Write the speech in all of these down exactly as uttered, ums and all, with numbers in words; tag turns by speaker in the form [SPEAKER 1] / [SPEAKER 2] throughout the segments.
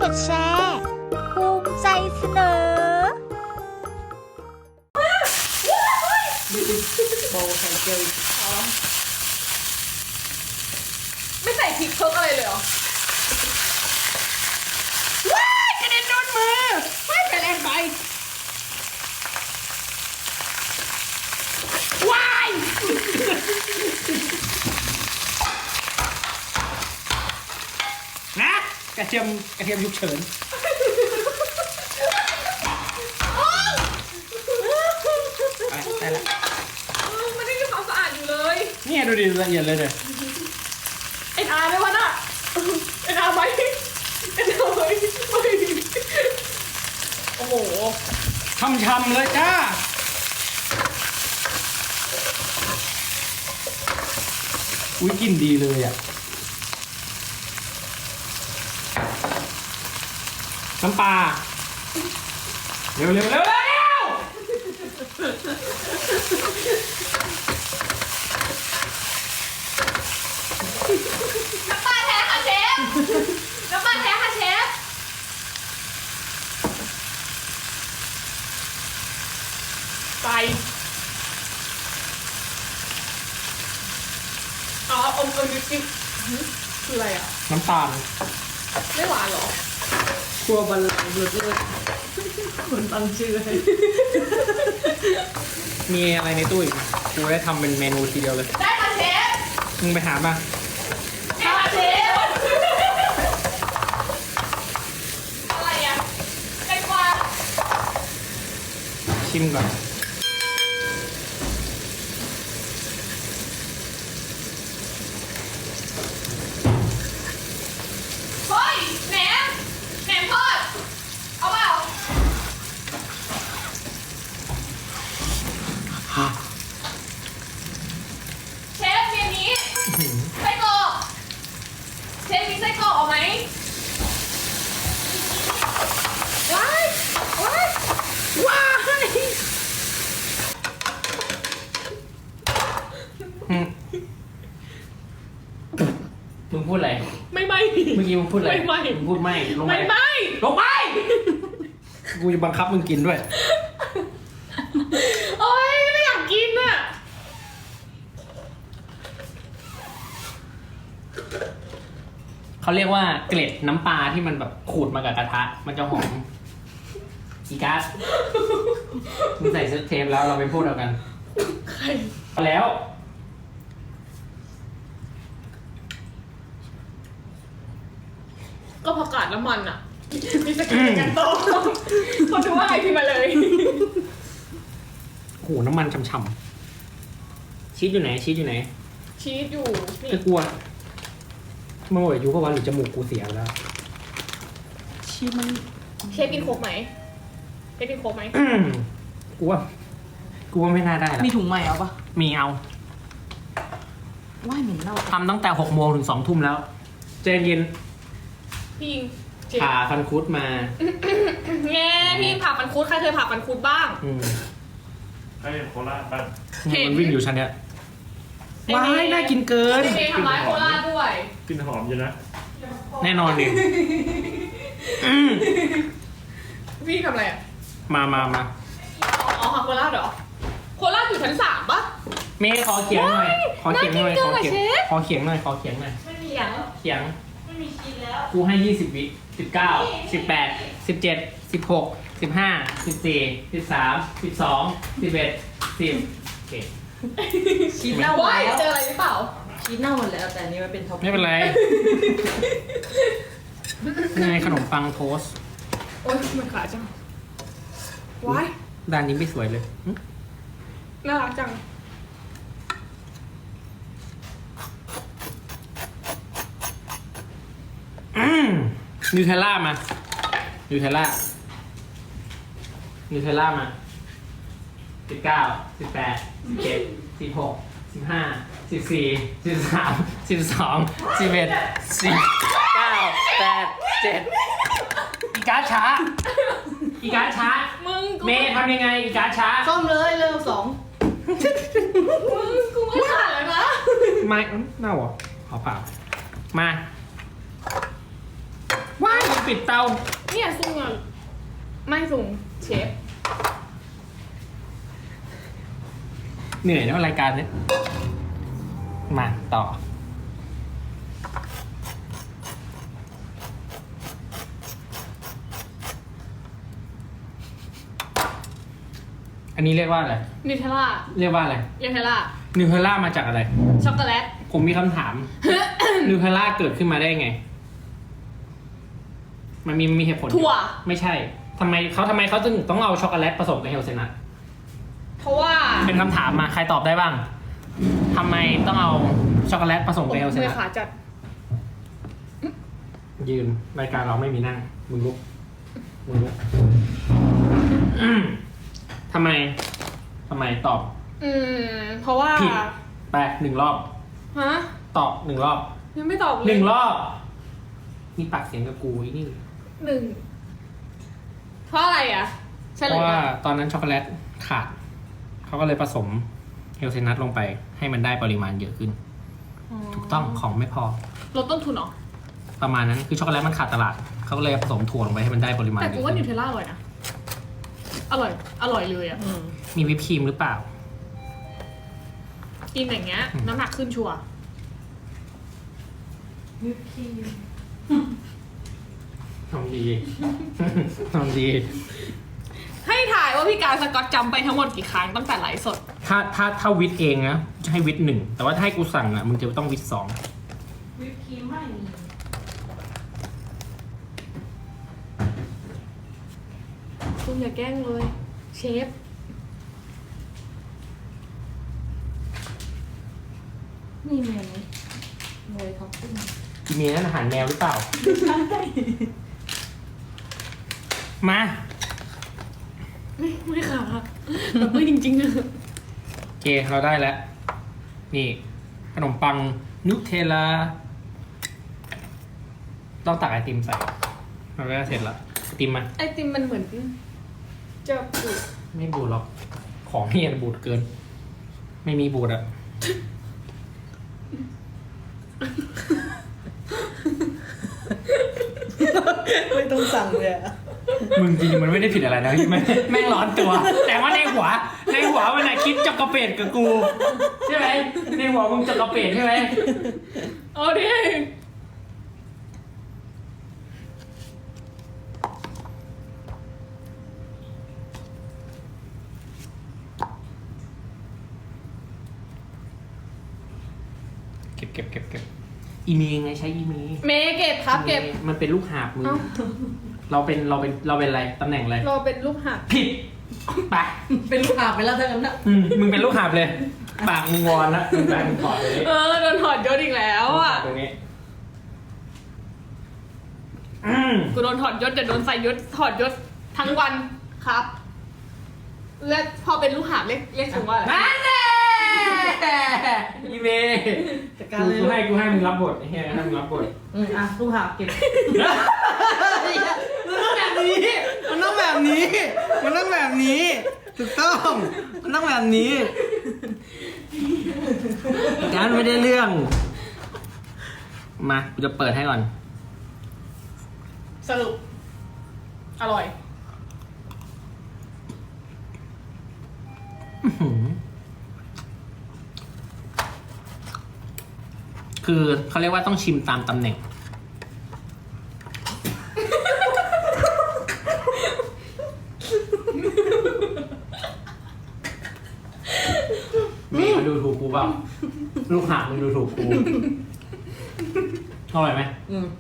[SPEAKER 1] ดแชร์ภูมิใจเสนอ
[SPEAKER 2] โบไข่เจียวอีกอ๋อ
[SPEAKER 3] ไม่ใส่พริกเพิ่มอะไรเลยเหรอ
[SPEAKER 2] ว้ายกระเด็นโดนมือว้ายกระเด็นไปว้ายนะกระเทียมกระเทียมยุบเฉินได้ละ
[SPEAKER 3] มันไม่มีความสะอาดอยู่เลย
[SPEAKER 2] นี่ดูดิละเอียดเลยเนี่ย
[SPEAKER 3] เอ็นอาร์ไหมวะน่ะเอ็นอาร์ไหมเอ็นอาร์ไหมไม่โอ้โห
[SPEAKER 2] ช่ำๆเลยจ้าอุ้ยกลิ่นดีเลยอ่ะน้ำปลาเร็วเร็วเร็วเร็ว
[SPEAKER 3] น้ำปลาแท้ค่ะเชฟน้ำปลาแท้ค่ะเชฟไปอ๋ออมอมดิบดิบคืออะไรอ่ะ
[SPEAKER 2] น้ำตาล
[SPEAKER 3] ไม่หวานหรอ
[SPEAKER 2] ครัวบันลังก์เลิศเลิศคนตั้งชื่อให้มีอะไรในตู้อีกไหมกูได้ทำเป็นเมนูทีเดียวเลย
[SPEAKER 3] ได้ค่ะเชฟ
[SPEAKER 2] มึงไปหามา
[SPEAKER 3] ได้ค่ะเชฟอะไรอ่ะไก่กวาด
[SPEAKER 2] ชิมก่อน
[SPEAKER 3] เฮ้ยแหนมแหนมทอดเอาเปล่าเชฟมีอันนี้ไส้กรอกเชฟมีไส้กรอกเอาไหมว้ายว้ายว้าย
[SPEAKER 2] มึงพูดอะไร
[SPEAKER 3] ไม่ไม่
[SPEAKER 2] เมื่อกี้มึงพูดอะไร
[SPEAKER 3] ไม่ไม่
[SPEAKER 2] มึงพูดไม่ลง
[SPEAKER 3] ไม่ไม่
[SPEAKER 2] ลงไปกูจะบังคับมึงกินด้วย
[SPEAKER 3] โอ๊ยไม่อยากกินอ่ะ
[SPEAKER 2] เขาเรียกว่าเกล็ดน้ำปลาที่มันแบบขูดมากับกระทะมันจะหอมอีกัสมึงใส่เซตเทปแล้วเราไปพูดเอากัน
[SPEAKER 3] ใคร
[SPEAKER 2] แล้ว
[SPEAKER 3] ก็ผักกาดน้ำมันอ่ะมีสกิลกันโตคนดูว่าไงพี่มาเลย
[SPEAKER 2] โอ้โหน้ำมันช่ำๆชีสอยู่ไหนชีสอยู่ไหน
[SPEAKER 3] ชีสอยู่นี่
[SPEAKER 2] ก็กลัวมันหมดอายุเพราะว่าหรือจมูกกูเสียแล้วชีสมัน
[SPEAKER 3] เชฟกินโคกไหมเชฟกินโคกไหม
[SPEAKER 2] กูว่ากูว่าไม่น่าได้แล้ว
[SPEAKER 4] มีถุงใหม่เอาปะ
[SPEAKER 2] มีเอา
[SPEAKER 4] ว่ายเหม็นเน่า
[SPEAKER 2] ทำตั้งแต่หกโมงถึงสองทุ่มแล้วเจนเย็น
[SPEAKER 3] พี่ยิง
[SPEAKER 2] ผ่าฟันคุดมา
[SPEAKER 3] แง่พี่ผ่าฟันคุดใครเคยผ่าฟันคุดบ้าง
[SPEAKER 5] ให้โคราชบ้าง
[SPEAKER 2] มันวิ่งอยู่ชั้นเนี้ยว้ายน่ากินเกิน
[SPEAKER 3] เอทำร้ายโคราชด้วย
[SPEAKER 5] กลิ่นหอมอยู่นะ
[SPEAKER 2] แน่นอนดิ
[SPEAKER 3] พี่ทำอะไรอ่ะ
[SPEAKER 2] มามามา
[SPEAKER 3] อ๋อโคราชเหรอโคราชอยู่ชั้นสามปะ
[SPEAKER 2] เมย์ขอเขียงหน่อยขอเขียงหน่อยขอเขียงขอเขียงหน่อยขอเขียงหน่อย
[SPEAKER 3] ไม่มีเขียง
[SPEAKER 2] เขียงไม่มีชิ้นแล้วกูให้ยี่สิบวิสิบเก้าสิบแปดสิบเจ็ดสิบหกสิบห้าสิบสี่สิบสามสิบสองสิบเอ็ดสิบโอเค
[SPEAKER 4] ชีสเน่าหมดแล้ว
[SPEAKER 3] เจออะไรหรือเปล่า
[SPEAKER 4] ชีสเน่าหมดแล้วแต่อันนี้มันเป็นท็อป
[SPEAKER 2] ไม่เป็นไรนี่ไงขนมปังโทส
[SPEAKER 3] โอ๊ยมันขาจังว้าย
[SPEAKER 2] ด้านนี้ไม่สวยเลย
[SPEAKER 3] น่ารักจัง
[SPEAKER 2] นิวเทลล่ามานิวเทลล่านิวเทลล่ามาสิบเก้าสิบแปดสิบเจ็ดสิบหกสิบห้าสิบสี่สิบสามสิบสองสิบเอ็ดสิบเก้าแปดเจ็ดอีการ์ดช้าอีการ์ดช้า
[SPEAKER 3] มึง
[SPEAKER 2] เมย์ทำยังไงอีการ์ดช้า
[SPEAKER 4] ซ่อมเลยเร็วสอง
[SPEAKER 3] มึงกูไม่ผ่านแล้วนะ
[SPEAKER 2] ไม่เน่าเหรอขอผ่ามา
[SPEAKER 4] ว้าย
[SPEAKER 2] ปิดเตา
[SPEAKER 3] เนี่ยซุงอ่ะไม่ซุงเชฟ
[SPEAKER 2] เหนื่อยแล้วรายการเนี้ยมาต่อ อันนี้เรียกว่าอะไร
[SPEAKER 3] นิวเทลล่า
[SPEAKER 2] เรียกว่าอะไร
[SPEAKER 3] นิวเทลล่า
[SPEAKER 2] นิวเทลล่ามาจากอะไร
[SPEAKER 3] ช็อกโกแลต
[SPEAKER 2] ผมมีคำถาม นิวเทลล่าเกิดขึ้นมาได้ไง มันมีมีเหตุผล
[SPEAKER 3] ถั่ว
[SPEAKER 2] ไม่ใช่ทำไมเขาทำไมเขาถึงต้องเอาช็อกโกแลตผสมกับเฮลเซนัท
[SPEAKER 3] เพราะว่า
[SPEAKER 2] เป็นคำถามมาใครตอบได้บ้างทำไมต้องเอาช็อกโกแลตผสมกับเฮลเซ
[SPEAKER 3] มื
[SPEAKER 2] นั
[SPEAKER 3] อ
[SPEAKER 2] ท
[SPEAKER 3] ขาจัด
[SPEAKER 2] ยืนรายการเราไม่มีนั่งมึงลุกมึงลุกอืมทำไมทำไมตอบ
[SPEAKER 3] อืม เพราะว่า
[SPEAKER 2] ผิด ไปหนึ่งรอบ
[SPEAKER 3] ฮะ
[SPEAKER 2] ตอบหนึ่งรอบ
[SPEAKER 3] ยังไม่ตอบเลย
[SPEAKER 2] หนึ่งรอบมีปากเสียงกับกูอีนี่
[SPEAKER 3] หนึ่งเพราะอะไรอ่ะเฉ
[SPEAKER 2] เพ
[SPEAKER 3] ล
[SPEAKER 2] ราะ
[SPEAKER 3] ย
[SPEAKER 2] ว่า
[SPEAKER 3] ก่อน
[SPEAKER 2] ตอนนั้นช็อกโกแลตขาดเขาก็เลยผสมเฮลเซนัทลงไป ให้มันได้ปริมาณเยอะขึ้น ถูกต้องของไม่พอ
[SPEAKER 3] ลดต้นทุนเหรอ
[SPEAKER 2] ประมาณนั้นคือช็อกโกแลตมันขาดตลาดเขาก็เลยผสมถั่วลงไปให้มันได้ปริมาณ
[SPEAKER 3] แต่
[SPEAKER 2] เย
[SPEAKER 3] กู
[SPEAKER 2] อะ
[SPEAKER 3] ว่านิ
[SPEAKER 2] ขึ้
[SPEAKER 3] วน เทลล่าอร่อยนะ อร่อย อร่อยเลยอ่ะ
[SPEAKER 4] อืม
[SPEAKER 2] มีวิปครีมหรือเปล่า
[SPEAKER 3] กินอย่างเงี้ย น้ำหนักขึ้นชัวร์
[SPEAKER 4] วิปครีม
[SPEAKER 2] ทำดี ทำดี
[SPEAKER 3] ให้ถ่ายว่าพี่การสกอตจำไปทั้งหมดกี่ครั้งตั้งแต่ไลฟ์สด
[SPEAKER 2] ถ้าถ้าถ้าวิทเองนะจะให้วิทหนึ่งแต่ว่าถ้าให้กูสั่งอ่ะมึงจะต้องวิทสอง
[SPEAKER 4] วิปครีมไม่มี
[SPEAKER 3] คุณอย่าแกล้งเลย เชฟ
[SPEAKER 4] นี่เมนูเลยท็อปปิ้ง
[SPEAKER 2] อีเมลนั่นอาหารแมวหรือเปล่า มา
[SPEAKER 3] ไม่ไม่ค่ะแบบไม่จริงๆอะ
[SPEAKER 2] โอเคเราได้แล้ว นี่ขนมปังนูเทลลาต้องตักไอติมใส่เราก็เสร็จละไอติมมา
[SPEAKER 3] ไอติมมันเหมือนจะปุด
[SPEAKER 2] ไม่บูดหรอก ของนี่มันบูดเกิน ไม่มีบูดอะ
[SPEAKER 4] ไม่ต้องสั่งเลยอะ
[SPEAKER 2] มึงจริงๆมันไม่ได้ผิดอะไรนะแม่งแม่งร้อนตัว แต่ว่าในหัว ในหัวมันอะคิดจักระเปดกับกู ใช่ไหมในหัวมึงจักระเปดใช่ไหม
[SPEAKER 3] เอาดิ
[SPEAKER 2] เก็บเก็บเก็บเก็บอีเมลไงใช้อีเมล
[SPEAKER 3] เมย์เก็บครับเก็บ
[SPEAKER 2] มันเป็นลูกหาบมึง
[SPEAKER 3] เอ้า
[SPEAKER 2] เราเป็นเราเป็นเราเป็นอะไรตำแหน่งอะไร
[SPEAKER 3] เราเป็นลูกหัก
[SPEAKER 2] ผิดไป
[SPEAKER 4] เป็นลูกหาบไปแล้วเท่านั้นนะ
[SPEAKER 2] อืมมึงเป็นลูกหาบเลย ปากมึงงอนละมึงแปลงมึงถอดเลย
[SPEAKER 3] เออโดนถอดยศอีกแล้วอ่ะ
[SPEAKER 2] ตรงนี้อืม
[SPEAKER 3] กูโดนถอดยศแต่โดนใส่ยศถอดยศทั้งวันครับ และพอเป็นลูกหาบเรียกเรียกถึงว่าอะไร
[SPEAKER 2] นั่นแหละอีเมย์
[SPEAKER 4] จัดการเลย
[SPEAKER 2] กูให้กูให้มึงรับบทไอ้เหี้ยให้มึงรับบท
[SPEAKER 4] อืมอ่ะลูกหาบเก็บ
[SPEAKER 2] มันต้องแบบนี้ มันต้องแบบนี้ มันต้องแบบนี้ ถูกต้อง มันต้องแบบนี้การไม่ได้เรื่อง มากูจะเปิดให้ก่อน
[SPEAKER 3] สรุป อร่อย
[SPEAKER 2] อื้อหือคือเขาเรียกว่าต้องชิมตามตำแหน่ง มีมาดูถูกกูเปล่า ลูกหาบมึงดูถูกกูอร่อยไหม
[SPEAKER 4] อืม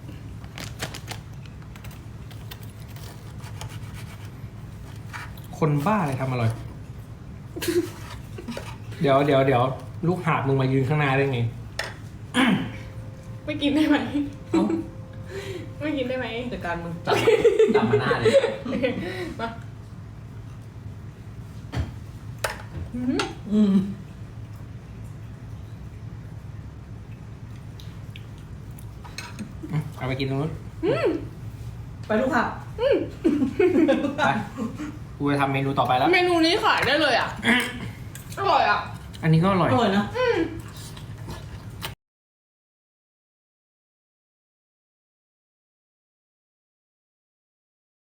[SPEAKER 2] คนบ้าอะไรทำอร่อย เดี๋ยวเดี๋ยวเดี๋ยวลูกหาบมึงมายืนข้างหน้าได้ไง
[SPEAKER 3] ไม่กินได้ไหม ไม่กินได้ไหม
[SPEAKER 4] จัดการมึง
[SPEAKER 2] จับจับมาหน้าเลย
[SPEAKER 3] มา
[SPEAKER 4] อืม
[SPEAKER 2] เอาไปกินตรงนู้น
[SPEAKER 4] ไปลูกหาบ
[SPEAKER 2] ไปกูจะทำเมนูต่อไปแล้ว
[SPEAKER 3] เมนูนี้ขายได้เลยอ่ะ อร่อยอ่ะ
[SPEAKER 2] อันนี้ก็อร่อย
[SPEAKER 4] อร่อยนะ
[SPEAKER 3] อืม